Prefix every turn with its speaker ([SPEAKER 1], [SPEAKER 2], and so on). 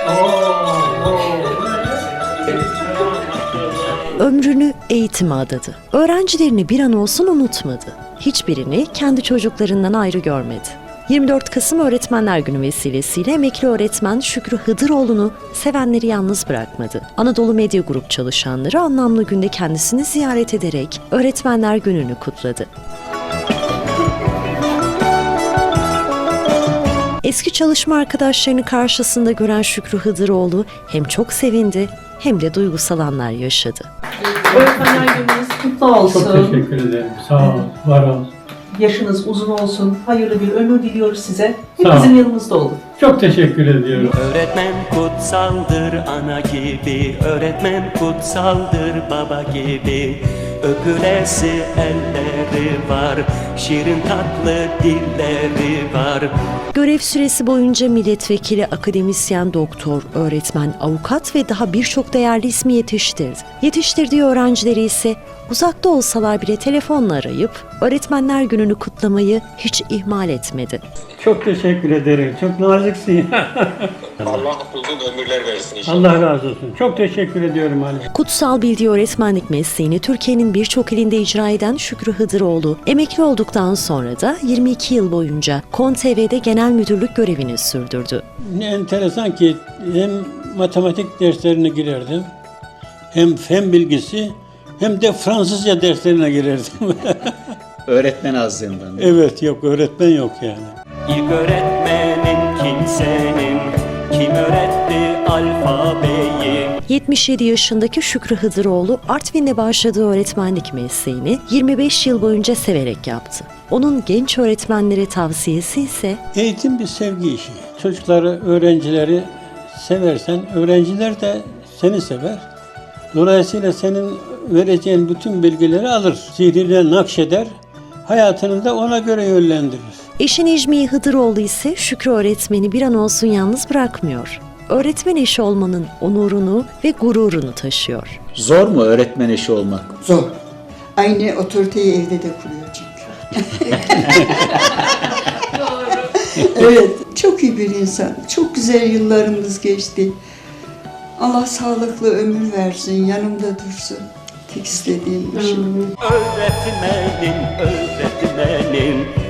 [SPEAKER 1] Ömrünü eğitime adadı. Öğrencilerini bir an olsun unutmadı. Hiçbirini kendi çocuklarından ayrı görmedi. 24 Kasım Öğretmenler Günü vesilesiyle emekli öğretmen Şükrü Hıdıroğlu'nu sevenleri yalnız bırakmadı. Anadolu Medya Grup çalışanları anlamlı günde kendisini ziyaret ederek Öğretmenler Günü'nü kutladı. Eski çalışma arkadaşlarını karşısında gören Şükrü Hıdıroğlu hem çok sevindi hem de duygusal anlar yaşadı.
[SPEAKER 2] Öğretmenler Gününüz kutlu olsun.
[SPEAKER 3] Çok teşekkür ederim. Sağ ol, var ol.
[SPEAKER 2] Yaşınız uzun olsun. Hayırlı bir ömür diliyoruz size. Hep
[SPEAKER 3] Sağ ol.
[SPEAKER 2] bizim yanımızda olun.
[SPEAKER 3] Çok teşekkür ediyorum.
[SPEAKER 4] Öğretmen kutsaldır ana gibi, öğretmen kutsaldır baba gibi. Öpülesi elleri var, şirin tatlı dilleri var.
[SPEAKER 1] Görev süresi boyunca milletvekili, akademisyen, doktor, öğretmen, avukat ve daha birçok değerli ismi yetiştirdi. Yetiştirdiği öğrencileri ise uzakta olsalar bile telefonla arayıp Öğretmenler Günü'nü kutlamayı hiç ihmal etmedi.
[SPEAKER 3] Çok teşekkür ederim. Çok naziksin.
[SPEAKER 5] Allah uzun ömürler versin inşallah.
[SPEAKER 3] Allah razı olsun. Çok teşekkür ediyorum Ali.
[SPEAKER 1] Kutsal bildiği öğretmenlik mesleğini Türkiye'nin birçok ilinde icra eden Şükrü Hıdıroğlu, emekli olduktan sonra da 22 yıl boyunca KON TV'de genel müdürlük görevini sürdürdü.
[SPEAKER 3] Ne enteresan ki hem matematik derslerine girerdim, hem fen bilgisi, hem de Fransızca derslerine girerdim.
[SPEAKER 6] Öğretmen azlığından.
[SPEAKER 3] Evet, yok öğretmen yok yani.
[SPEAKER 4] İlk öğretmenin kimsenin, kim öğretti alfabeyi?
[SPEAKER 1] 77 yaşındaki Şükrü Hıdıroğlu, Artvin'de başladığı öğretmenlik mesleğini 25 yıl boyunca severek yaptı. Onun genç öğretmenlere tavsiyesi ise
[SPEAKER 3] Eğitim bir sevgi işi. Çocukları, öğrencileri seversen, öğrenciler de seni sever. Dolayısıyla senin vereceğin bütün bilgileri alır. Zihnine nakşeder, hayatını da ona göre yönlendirir.
[SPEAKER 1] eşi Necmiye Hıdıroğlu ise Şükrü öğretmeni bir an olsun yalnız bırakmıyor. Öğretmen eşi olmanın onurunu ve gururunu taşıyor.
[SPEAKER 6] Zor mu öğretmen eşi olmak?
[SPEAKER 7] Zor. Aynı otoriteyi evde de kuruyor çünkü. Evet, çok iyi bir insan. Çok güzel yıllarımız geçti. Allah sağlıklı ömür versin, yanımda dursun. Tek istediğim bir şey.
[SPEAKER 4] Öğretmenin